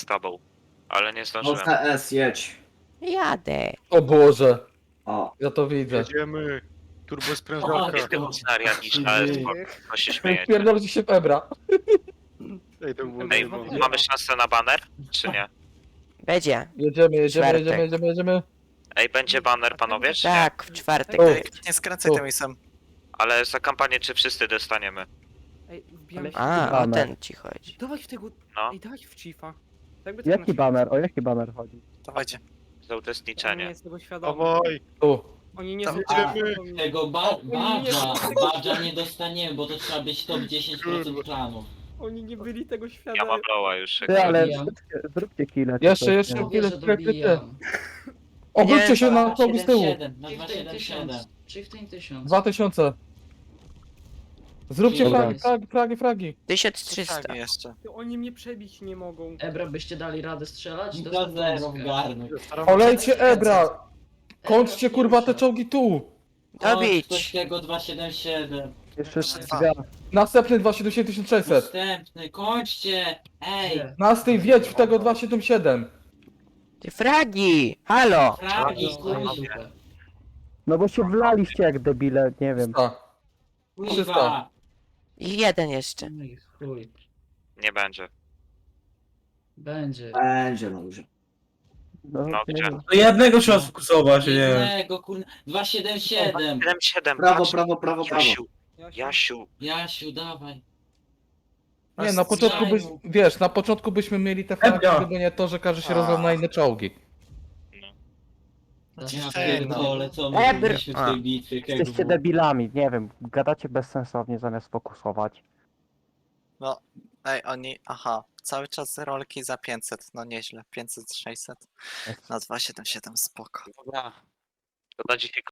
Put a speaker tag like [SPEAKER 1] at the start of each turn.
[SPEAKER 1] tobą. Ale nie
[SPEAKER 2] No
[SPEAKER 1] zdążyłem.
[SPEAKER 2] CS jedź.
[SPEAKER 3] Jadę.
[SPEAKER 4] O Boże,
[SPEAKER 2] O.
[SPEAKER 4] ja to widzę.
[SPEAKER 5] Jedziemy. Turbo sprężarka.
[SPEAKER 1] Scenaria niż AS, bo się śmiejecie.
[SPEAKER 4] Pierdolcie się w Ebra.
[SPEAKER 5] Ej, to było
[SPEAKER 1] Ej,
[SPEAKER 5] zabawne.
[SPEAKER 1] mamy szansę na baner, czy nie?
[SPEAKER 3] Będzie.
[SPEAKER 4] Jedziemy.
[SPEAKER 3] Czwartek.
[SPEAKER 1] Ej, będzie baner, panowie, czy nie?
[SPEAKER 3] Tak, w czwartek.
[SPEAKER 4] O.
[SPEAKER 6] Nie skręcaj
[SPEAKER 4] Tu.
[SPEAKER 6] tym isem.
[SPEAKER 1] Ale za kampanię czy wszyscy dostaniemy?
[SPEAKER 7] Ej, wbijam się.
[SPEAKER 3] A, o
[SPEAKER 8] Baner.
[SPEAKER 3] ten ci chodzi.
[SPEAKER 7] Dawaj w tego.
[SPEAKER 1] No.
[SPEAKER 7] Ej, dawaj w Chiefa. Jakby tak
[SPEAKER 8] Jaki baner? O jaki baner chodzi?
[SPEAKER 6] Dawajcie.
[SPEAKER 1] Za
[SPEAKER 7] On nie
[SPEAKER 1] uczestniczenie.
[SPEAKER 7] jest tego świadomy.
[SPEAKER 5] Dawaj.
[SPEAKER 4] Tu.
[SPEAKER 7] Oni nie
[SPEAKER 6] Tam
[SPEAKER 7] są
[SPEAKER 5] jedziemy.
[SPEAKER 9] Tego badża nie dostaniemy, bo to trzeba być top 10%
[SPEAKER 5] Kurwa.
[SPEAKER 9] klanów.
[SPEAKER 7] Oni nie byli tego
[SPEAKER 1] Ja
[SPEAKER 7] świadomi.
[SPEAKER 1] mam loła już.
[SPEAKER 8] Ty, ale
[SPEAKER 9] Dobijam.
[SPEAKER 8] zróbcie kile. czy
[SPEAKER 4] Jeszcze,
[SPEAKER 8] coś,
[SPEAKER 4] jeszcze.
[SPEAKER 8] nie?
[SPEAKER 9] Mówię, że
[SPEAKER 4] ty.
[SPEAKER 9] dobijam.
[SPEAKER 4] Obróćcie się na czołgu z tyłu.
[SPEAKER 9] 7-7, na 277.
[SPEAKER 10] Chieftain 1000.
[SPEAKER 4] 2000. Zróbcie
[SPEAKER 9] Dobra.
[SPEAKER 4] fragi.
[SPEAKER 3] 1300.
[SPEAKER 6] Tak, jeszcze.
[SPEAKER 7] Oni mnie przebić nie mogą.
[SPEAKER 10] Ebra, byście dali radę strzelać?
[SPEAKER 9] Do zero wgarnąć.
[SPEAKER 4] Olejcie Ebra. Kończcie kurwa te czołgi tu.
[SPEAKER 9] Ktoś
[SPEAKER 3] Dobić.
[SPEAKER 9] tego 277.
[SPEAKER 8] Jeszcze
[SPEAKER 6] Dwa.
[SPEAKER 8] dwa.
[SPEAKER 4] Następny 277 600.
[SPEAKER 9] Następny, kończcie! Ej!
[SPEAKER 4] Następny wjedź w tego 277.
[SPEAKER 3] Ty fragi! Halo!
[SPEAKER 9] Fragi,
[SPEAKER 1] Panowie.
[SPEAKER 8] No bo się wlaliście jak debile, nie wiem.
[SPEAKER 9] kurwa!
[SPEAKER 3] I jeden jeszcze.
[SPEAKER 10] No i chuj.
[SPEAKER 1] Nie będzie.
[SPEAKER 10] Będzie.
[SPEAKER 2] Będzie no już.
[SPEAKER 4] No,
[SPEAKER 1] No,
[SPEAKER 4] nie
[SPEAKER 1] gdzie?
[SPEAKER 4] wiem.
[SPEAKER 11] To jednego trzeba sfokusować, nie wiem.
[SPEAKER 9] Jednego, kurwa. 277.
[SPEAKER 1] 7-7,
[SPEAKER 2] Prawo,
[SPEAKER 1] patrz.
[SPEAKER 2] prawo, prawo, prawo.
[SPEAKER 1] Jasiu, Jasiu.
[SPEAKER 9] Jasiu, dawaj.
[SPEAKER 4] Nie, na początku byś, wiesz, na początku byśmy mieli te fragi,
[SPEAKER 11] Ebra.
[SPEAKER 4] gdyby nie to, że każdy się rozlał na inne czołgi.
[SPEAKER 9] Ja pierdolę, co my
[SPEAKER 3] Ebr-
[SPEAKER 9] robiliśmy w
[SPEAKER 3] A.
[SPEAKER 9] tej bitwie,
[SPEAKER 8] Jesteście debilami, nie wiem. Gadacie bezsensownie zamiast fokusować.
[SPEAKER 6] Ej, oni... Aha. Cały czas rolki za 500. No nieźle. 500, 600. Na 277 spoko.
[SPEAKER 1] Dobra. To na dzisiaj